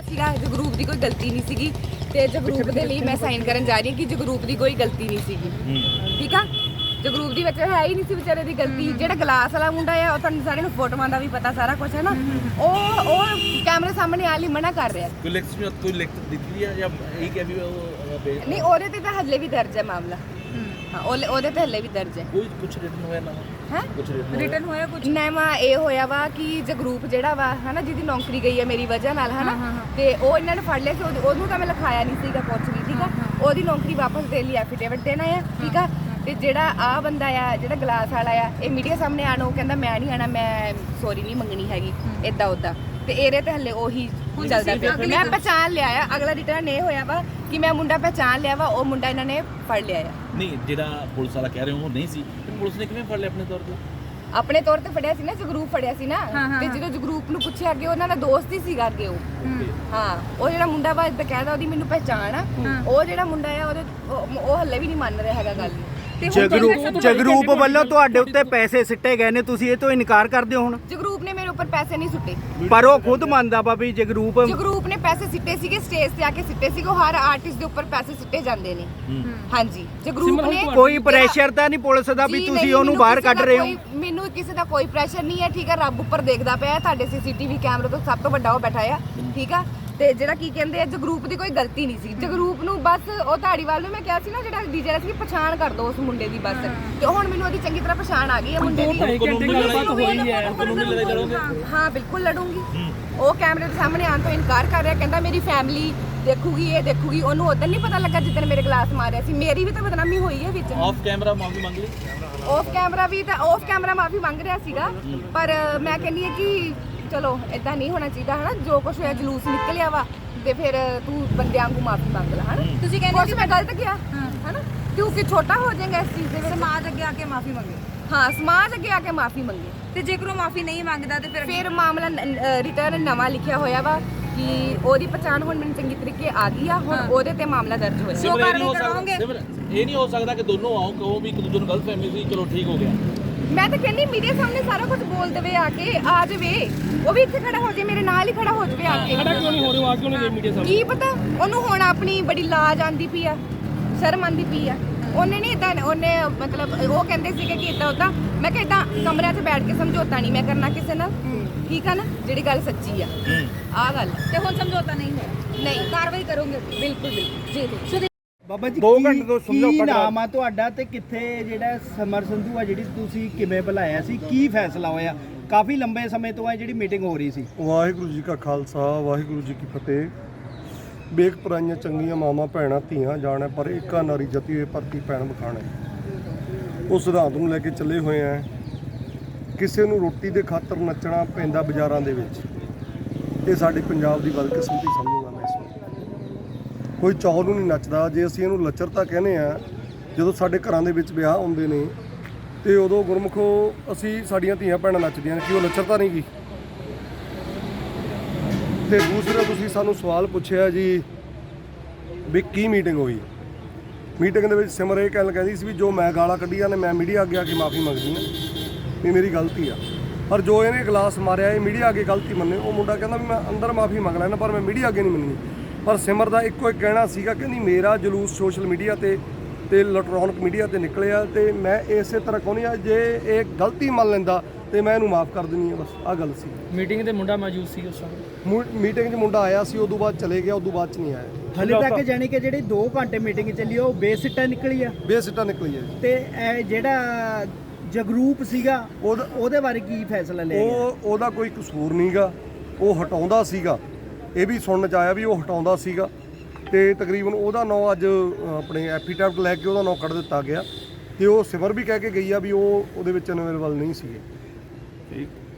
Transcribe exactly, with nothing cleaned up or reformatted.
ਸੀਗਾ ਜਗਰੂਪ ਦੀ ਕੋਈ ਗਲਤੀ ਨਹੀਂ ਸੀਗੀ ਤੇ ਜਗਰੂਪ ਦੇ ਲਈ ਮੈਂ ਸਾਈਨ ਕਰਨ ਜਾ ਰਹੀ ਹਾਂ ਕਿ ਜਗਰੂਪ ਦੀ ਕੋਈ ਗਲਤੀ ਨਹੀਂ ਸੀਗੀ। ਠੀਕ ਆ, ਜਗਰੂਪ ਦੀ ਵਿੱਚ ਹੈ ਹੀ ਨਹੀਂ ਸੀ ਵਿਚਾਰੇ ਦੀ ਗਲਤੀ। ਜਿਹੜਾ ਗਲਾਸ ਵਾਲਾ ਮੁੰਡਾ ਆ ਉਹ ਤੁਹਾਨੂੰ ਸਾਰਿਆਂ ਨੂੰ ਫੋਟੋਆਂ ਦਾ ਵੀ ਪਤਾ ਸਾਰਾ ਕੁਝ ਹੈ ਨਾ, ਉਹ ਉਹ ਕੈਮਰੇ ਸਾਹਮਣੇ ਆ ਲਈ ਮਨਾ ਕਰ ਰਿਹਾ। ਕੋਈ ਲਿਖਤ ਵਿੱਚ ਕੋਈ ਲਿਖਤ ਦਿੱਤੀ ਹੈ ਜਾਂ ਇਹ ਕਿ ਵੀ ਉਹ ਨਹੀਂ, ਉਹਦੇ ਤੇ ਤਾਂ ਹੱਲੇ ਵੀ ਦਰਜ ਹੈ ਮਾਮਲਾ। ਹਾਂ, ਉਹਦੇ ਉਹਦੇ ਤੇ ਹੱਲੇ ਵੀ ਦਰਜ ਹੈ। ਕੋਈ ਕੁਝ ਰਿਟਨ ਹੋਇਆ ਨਾ ਹੈ ਕੁਝ ਰਿਟਨ ਹੋਇਆ ਕੁਝ ਨੈਮਾ ਇਹ ਹੋਇਆ ਵਾ ਕਿ ਜਗਰੂਪ ਜਿਹੜਾ ਵਾ ਹਨਾ ਜਿਹਦੀ ਨੌਕਰੀ ਗਈ ਹੈ ਮੇਰੀ ਵਜ੍ਹਾ ਨਾਲ ਹਨਾ, ਤੇ ਉਹ ਇਹਨਾਂ ਨੇ ਫੜ ਲਿਆ ਸੀ। ਉਹਨੂੰ ਤਾਂ ਮੈਂ ਲਿਖਾਇਆ ਨਹੀਂ ਸੀਗਾ ਕੁਛ ਵੀ। ਠੀਕ ਆ, ਉਹਦੀ ਨੌਕਰੀ ਵਾਪਸ ਦੇਣ ਲਈ ਐਫੀਡੇਵਿਟ ਦੇਣਾ ਆ। ਠੀਕ ਆ, ਤੇ ਜਿਹੜਾ ਆ ਬੰਦਾ ਆ ਜਿਹੜਾ ਗਲਾਸ ਵਾਲਾ ਆ ਇਹ ਮੀਡੀਆ ਸਾਹਮਣੇ ਆਣਾ, ਉਹ ਕਹਿੰਦਾ ਮੈਂ ਨਹੀਂ ਆਣਾ, ਮੈਂ ਸੌਰੀ ਨਹੀਂ ਮੰਗਣੀ ਹੈਗੀ ਇਦਾਂ ਉਦਾਂ। ਤੇ ਇਹਦੇ ਤੇ ਹੱਲੇ ਉਹੀ ਚੱਲਦਾ ਪਿਆ। ਮੈਂ ਪਹਿਚਾਣ ਲਿਆ ਆ, ਅਗਲਾ ਰਿਟਰਨ ਇਹ ਹੋਇਆ ਵਾ ਕਿ ਮੈਂ ਮੁੰਡਾ ਪਹਿਚਾਣ ਲਿਆ ਵਾ, ਉਹ ਮੁੰਡਾ ਇਹਨਾਂ ਨੇ ਫੜ ਲਿਆ ਆ। ਨਹੀਂ, ਜਿਹੜਾ ਪੁਲਿਸ ਵਾਲਾ ਕਹਿ ਰਹੇ ਹੋ ਉਹ ਨਹੀਂ ਸੀ, ਪੁਲਿਸ ਨੇ ਕਿਵੇਂ ਫੜ ਲਿਆ ਆਪਣੇ ਤੌਰ ਤੇ? ਆਪਣੇ ਤੌਰ ਤੇ ਫੜਿਆ ਸੀ ਨਾ, ਜਗਰੂਪ ਫੜਿਆ ਸੀ ਨਾ। ਤੇ ਜਦੋਂ ਜਗਰੂਪ ਨੂੰ ਪੁੱਛਿਆ ਅੱਗੇ ਉਹਨਾਂ ਦਾ ਦੋਸਤ ਹੀ ਸੀਗਾ ਅੱਗੇ ਉਹ। ਹਾਂ, ਉਹ ਜਿਹੜਾ ਮੁੰਡਾ ਵਾ ਬਕਾਇਦਾ ਉਹਦੀ ਮੈਨੂੰ ਪਹਿਚਾਣ ਆ। ਉਹ ਜਿਹੜਾ ਮੁੰਡਾ ਆ ਉਹਦੇ ਉਹ ਹੱਲੇ ਵੀ ਨਹੀਂ ਮੰਨ ਰਿਹਾ ਹੈਗਾ ਗੱਲ। ਜਗਰੂਪ ਜਗਰੂਪ ਵੱਲੋਂ ਤੁਹਾਡੇ ਉੱਤੇ ਪੈਸੇ ਸਿੱਟੇ ਗਏ ਨੇ, ਤੁਸੀਂ ਇਹ ਤੋਂ ਇਨਕਾਰ ਕਰਦੇ ਹੋ ਹੁਣ? ਜਗਰੂਪ ਨੇ ਮੇਰੇ ਉੱਪਰ ਪੈਸੇ ਨਹੀਂ ਸੁੱਟੇ, ਪਰ ਉਹ ਖੁਦ ਮੰਨਦਾ ਵਾ ਵੀ ਜਗਰੂਪ ਜਗਰੂਪ ਨੇ ਪੈਸੇ ਸਿੱਟੇ ਸੀਗੇ, ਸਟੇਜ ਤੇ ਆ ਕੇ ਸਿੱਟੇ ਸੀਗੇ। ਉਹ ਹਰ ਆਰਟਿਸਟ ਦੇ ਉੱਪਰ ਪੈਸੇ ਸਿੱਟੇ ਜਾਂਦੇ ਨੇ। ਹਾਂਜੀ, ਜਗਰੂਪ ਨੇ ਕੋਈ ਪ੍ਰੈਸ਼ਰ ਤਾਂ ਨਹੀਂ ਪੁਲਿਸ ਦਾ ਵੀ ਤੁਸੀਂ ਉਹਨੂੰ ਬਾਹਰ ਕੱਢ ਰਹੇ ਹੋ? ਮੈਨੂੰ ਕਿਸੇ ਦਾ ਕੋਈ ਪ੍ਰੈਸ਼ਰ ਨਹੀਂ ਹੈ। ਠੀਕ ਹੈ, ਰੱਬ ਉੱਪਰ ਦੇਖਦਾ ਪਿਆ, ਤੁਹਾਡੇ ਸੀਸੀਟੀਵੀ ਕੈਮਰੇ ਤੋਂ ਸਭ ਤੋਂ ਵੱਡਾ ਉਹ ਬੈਠਾ ਆ। ਠੀਕ ਆ, ਤੇ ਜਿਹੜਾ ਕੀ ਕਹਿੰਦੇ ਆ ਜਗਰੂਪ ਦੀ ਕੋਈ ਗਲਤੀ ਨਹੀਂ ਸੀ। ਜਗਰੂਪ ਨੂੰ ਬਸ ਉਹ ਧਾੜੀਵਾਲ ਨੂੰ ਮੈਂ ਕਿਹਾ ਸੀ ਨਾ ਜਿਹੜਾ ਡੀਜੇ ਦਾ ਸੀ, ਪਛਾਣ ਕਰ ਦੋ ਉਸ ਮੁੰਡੇ ਦੀ ਬਸ। ਤੇ ਹੁਣ ਮੈਨੂੰ ਉਹਦੀ ਚੰਗੀ ਤਰ੍ਹਾਂ ਪਛਾਣ ਆ ਗਈ ਹੈ ਮੁੰਡੇ ਦੀ। ਹਾਂ ਬਿਲਕੁਲ ਲੜੂੰਗੀ। ਉਹ ਕੈਮਰੇ ਦੇ ਸਾਹਮਣੇ ਆਉਣ ਤੋਂ ਇਨਕਾਰ ਕਰ ਰਿਹਾ, ਕਹਿੰਦਾ ਮੇਰੀ ਫੈਮਿਲੀ ਦੇਖੂਗੀ, ਇਹ ਦੇਖੂਗੀ। ਉਹਨੂੰ ਉਦੋਂ ਨਹੀਂ ਪਤਾ ਲੱਗਾ ਜਿੱਦਣ ਮੇਰੇ ਗਲਾਸ ਮਾਰਿਆ ਸੀ। ਮੇਰੀ ਵੀ ਤਾਂ ਬਦਨਾਮੀ ਹੋਈ ਹੈ ਵਿੱਚ। ਆਫ ਕੈਮਰਾ ਮਾਫੀ ਮੰਗ ਲਈ? ਆਫ ਕੈਮਰਾ ਵੀ ਤਾਂ ਆਫ ਕੈਮਰਾ ਮਾਫੀ ਮੰਗ ਰਿਹਾ ਸੀਗਾ, ਪਰ ਮੈਂ ਕਹਿੰਦੀ ਹਾਂ ਕਿ ਚਲੋ ਇਦਾਂ ਨਹੀਂ ਹੋਣਾ ਚਾਹੀਦਾ ਹਨਾ। ਜੋ ਕੁਝ ਹੋਇਆ ਜਲੂਸ ਨਿਕਲਿਆ ਵਾ ਤੇ ਫਿਰ ਤੂੰ ਬੰਦਿਆਂ ਨੂੰ ਮਾਫੀ ਮੰਗ ਲੈ ਹਨਾ। ਤੁਸੀਂ ਕਹਿੰਦੇ ਮੈਂ ਗਲਤ ਕਿਹਾ ਹਨਾ, ਕਿਉਂਕਿ ਛੋਟਾ ਹੋ ਜਾਏਗਾ ਇਸ ਚੀਜ਼ ਦੇ ਵਿੱਚ। ਸਮਾਜ ਅੱਗੇ ਆ ਕੇ ਮਾਫੀ ਮੰਗੇ। ਹਾਂ, ਸਮਾਜ ਅੱਗੇ ਆ ਕੇ ਮਾਫੀ ਮੰਗੇ। ਤੇ ਜੇਕਰ ਉਹ ਮਾਫੀ ਨਹੀਂ ਮੰਗਦਾ ਤੇ ਫਿਰ ਫਿਰ ਮਾਮਲਾ ਰਿਟਰਨ ਨਵਾਂ ਲਿਖਿਆ ਹੋਇਆ ਵਾ ਕਿ ਉਹਦੀ ਪਛਾਣ ਹੁਣ ਮੈਨੂੰ ਚੰਗੀ ਤਰੀਕੇ ਆ ਗਈ ਆ। ਹੁਣ ਉਹਦੇ ਤੇ ਮਾਮਲਾ ਦਰਜ ਹੋਇਆ। ਜੋ ਕਾਰਵਾਈ ਕਰਵਾਓਗੇ? ਇਹ ਨਹੀਂ ਹੋ ਸਕਦਾ ਕਿ ਦੋਨੋਂ ਆਓ ਕਹੋ ਵੀ ਇੱਕ ਦੂਜੇ ਨੂੰ ਗਲਤ ਫਹਿਮੀ ਸੀ, ਚਲੋ ਠੀਕ ਹੋ ਗਿਆ। ਮੈਂ ਤਾਂ ਕਹਿੰਦੀ ਮੀਡੀਆ ਸਾਹਮਣੇ ਸਾਰਾ ਕੁਝ ਬੋਲ ਦੇਵੇ ਆ ਕੇ, ਆ ਜਾਵੇ। ਉਹ ਵੀ ਇੱਥੇ ਖੜਾ ਹੋ ਜਾਵੇ, ਮੇਰੇ ਨਾਲ ਹੀ ਖੜਾ ਹੋ ਜਾਵੇ ਆ ਕੇ। ਖੜਾ ਕਿਉਂ ਨਹੀਂ ਹੋ ਰਿਹਾ? ਆ ਕਿਉਂ ਨਹੀਂ ਗਏ ਮੀਡੀਆ ਸਾਹਮਣੇ? ਕੀ ਪਤਾ ਉਹਨੂੰ ਹੁਣ ਆਪਣੀ ਬੜੀ ਲਾਜ ਆਂਦੀ ਪਈ ਆ, ਸ਼ਰਮ ਆਂਦੀ ਪਈ ਆ। ਉਹਨੇ ਨਹੀਂ ਇਦਾਂ, ਉਹਨੇ ਮਤਲਬ ਉਹ ਕਹਿੰਦੇ ਸੀਗੇ ਕਿ ਇਦਾਂ ਉਦਾਂ। ਮੈਂ ਕਿਹਾ ਇਦਾਂ ਕਮਰਿਆਂ 'ਚ ਬੈਠ ਕੇ ਸਮਝੌਤਾ ਨਹੀਂ ਮੈਂ ਕਰਨਾ ਕਿਸੇ ਨਾਲ। ਠੀਕ ਆ ਨਾ, ਜਿਹੜੀ ਗੱਲ ਸੱਚੀ ਆ ਆਹ ਗੱਲ। ਤੇ ਹੁਣ ਸਮਝੌਤਾ ਨਹੀਂ ਹੋਇਆ? ਨਹੀਂ, ਕਾਰਵਾਈ ਕਰੋਗੇ? ਬਿਲਕੁਲ ਬਿਲਕੁਲ ਜੀ। ਬਾਬਾ ਜੀ ਦੋ ਘੰਟੇ ਤੋਂ ਸਮਝੌਤਾ ਕੀ ਕਰਾ- ਨਾਮ ਆ ਤੁਹਾਡਾ ਤੇ ਕਿੱਥੇ ਜਿਹੜਾ ਸਮਰ ਸੰਧੂ ਆ ਜਿਹੜੀ ਤੁਸੀਂ ਕਿਵੇਂ ਬੁਲਾਇਆ ਸੀ, ਕੀ ਫੈਸਲਾ ਹੋਇਆ? ਕਾਫੀ ਲੰਬੇ ਸਮੇਂ ਤੋਂ ਹੈ ਜਿਹੜੀ ਮੀਟਿੰਗ ਹੋ ਰਹੀ ਸੀ। ਵਾਹਿਗੁਰੂ ਜੀ ਕਾ ਖਾਲਸਾ ਵਾਹਿਗੁਰੂ ਜੀ ਕੀ ਫਤਿਹ। ਬੇਕ ਪਰਾਈਆਂ ਚੰਗੀਆਂ ਮਾਵਾਂ ਭੈਣਾਂ ਧੀਆਂ ਜਾਣੈ, ਪਰ ਏਕਾ ਨਾਰੀ ਜਤੀ ਹੋਏ ਭਰਤੀ ਭੈਣ ਬਖਾਣੈ। ਉਸ ਸਿਧਾਂਤ ਨੂੰ ਲੈ ਕੇ ਚੱਲੇ ਹੋਏ ਆ। ਕਿਸੇ ਨੂੰ ਰੋਟੀ ਦੇ ਖਾਤਰ ਨੱਚਣਾ ਪੈਂਦਾ ਬਾਜ਼ਾਰਾਂ ਦੇ ਵਿੱਚ, ਇਹ ਸਾਡੇ ਪੰਜਾਬ ਦੀ ਬਦਕਿਸਮਤੀ ਸਮਝੂਗਾ ਮੈਂ ਇਸ ਨੂੰ। ਕੋਈ ਚੌਲ ਨੂੰ ਨਹੀਂ ਨੱਚਦਾ। ਜੇ ਅਸੀਂ ਇਹਨੂੰ ਲੱਚਰਤਾ ਕਹਿੰਦੇ ਆ, ਜਦੋਂ ਸਾਡੇ ਘਰਾਂ ਦੇ ਵਿੱਚ ਵਿਆਹ ਹੁੰਦੇ ਨੇ ਤੇ ਉਦੋਂ ਗੁਰਮੁਖੋ ਅਸੀਂ ਸਾਡੀਆਂ ਧੀਆਂ ਭੈਣਾਂ ਨੱਚਦੀਆਂ ਨੇ, ਕੀ ਉਹ ਲੱਚਰਤਾ ਨਹੀਂ ਗੀ? ਤੇ ਦੂਸਰਾ ਤੁਸੀਂ ਸਾਨੂੰ ਸਵਾਲ ਪੁੱਛਿਆ ਜੀ ਵੀ ਕੀ ਮੀਟਿੰਗ ਹੋਈ। ਮੀਟਿੰਗ ਦੇ ਵਿੱਚ ਸਿਮਰ ਇਹ ਗੱਲ ਕਹਿੰਦੀ ਸੀ ਵੀ ਜੋ ਮੈਂ ਗਾਲਾਂ ਕੱਢੀਆਂ ਨੇ ਮੈਂ ਮੀਡੀਆ ਅੱਗੇ ਆ ਕੇ ਮਾਫੀ ਮੰਗਦੀ ਹਾਂ ਵੀ ਮੇਰੀ ਗਲਤੀ ਆ। ਪਰ ਜੋ ਇਹਨੇ ਗਲਾਸ ਮਾਰਿਆ ਇਹ ਮੀਡੀਆ ਅੱਗੇ ਗਲਤੀ ਮੰਨੇ। ਉਹ ਮੁੰਡਾ ਕਹਿੰਦਾ ਵੀ ਮੈਂ ਅੰਦਰ ਮਾਫੀ ਮੰਗ ਲੈਣਾ ਪਰ ਮੈਂ ਮੀਡੀਆ ਅੱਗੇ ਨਹੀਂ ਮੰਨਣੀ। ਪਰ ਸਿਮਰ ਦਾ ਇੱਕੋ ਇੱਕ ਕਹਿਣਾ ਸੀਗਾ, ਕਹਿੰਦੀ ਮੇਰਾ ਜਲੂਸ ਸੋਸ਼ਲ ਮੀਡੀਆ ਤੇ ਤੇ ਇਲੈਕਟ੍ਰੋਨਿਕ ਮੀਡੀਆ ਤੇ ਨਿਕਲਿਆ ਤੇ ਮੈਂ ਇਸੇ ਤਰ੍ਹਾਂ ਕਹਿੰਦੀ ਆ ਜੇ ਇਹ ਗਲਤੀ ਮੰਨ ਲੈਂਦਾ ਤੇ ਮੈਂ ਇਹਨੂੰ ਮਾਫ ਕਰ ਦਿੰਦੀ ਆ। ਬਸ ਆਹ ਗੱਲ ਸੀ। ਮੀਟਿੰਗ ਤੇ ਮੁੰਡਾ ਮੌਜੂਦ ਸੀ ਉਸ ਸਮੇਂ? ਮੀਟਿੰਗ 'ਚ ਮੁੰਡਾ ਆਇਆ ਸੀ, ਉਦੋਂ ਬਾਅਦ ਚਲੇ ਗਿਆ, ਉਦੋਂ ਬਾਅਦ 'ਚ ਨਹੀਂ ਆਇਆ। ਹਲੇ ਤੱਕ ਜਾਨੀ ਕਿ ਜਿਹੜੀ ਦੋ ਘੰਟੇ ਮੀਟਿੰਗ ਚੱਲੀ ਉਹ ਬੇਸਿੱਟਾ ਨਿਕਲੀ ਆ ਬੇਸਿੱਟਾ ਨਿਕਲੀ ਹੈ। ਤੇ ਇਹ ਜਿਹੜਾ ਜਗਰੂਪ ਸੀਗਾ ਉਹਦਾ ਉਹਦੇ ਬਾਰੇ ਕੀ ਫੈਸਲਾ ਲਿਆ ਗਿਆ? ਉਹ ਉਹਦਾ ਕੋਈ ਕਸੂਰ ਨਹੀਂਗਾ, ਉਹ ਹਟਾਉਂਦਾ ਸੀਗਾ। ਇਹ ਵੀ ਸੁਣਨ 'ਚ ਆਇਆ ਵੀ ਉਹ ਹਟਾਉਂਦਾ ਸੀਗਾ ਤੇ ਤਕਰੀਬਨ ਉਹਦਾ ਨਾਂ ਅੱਜ ਆਪਣੇ ਐਫੀਡੈਵਿਟ ਲੈ ਕੇ ਉਹਦਾ ਨਾਂ ਕੱਢ ਦਿੱਤਾ ਗਿਆ ਤੇ ਉਹ ਸਿਮਰ ਵੀ ਕਹਿ ਕੇ ਗਈ ਆ ਵੀ ਉਹ ਉਹਦੇ ਵਿੱਚ ਅਵੇਲੇਬਲ ਨਹੀਂ ਸੀਗੇ। ਠੀਕ।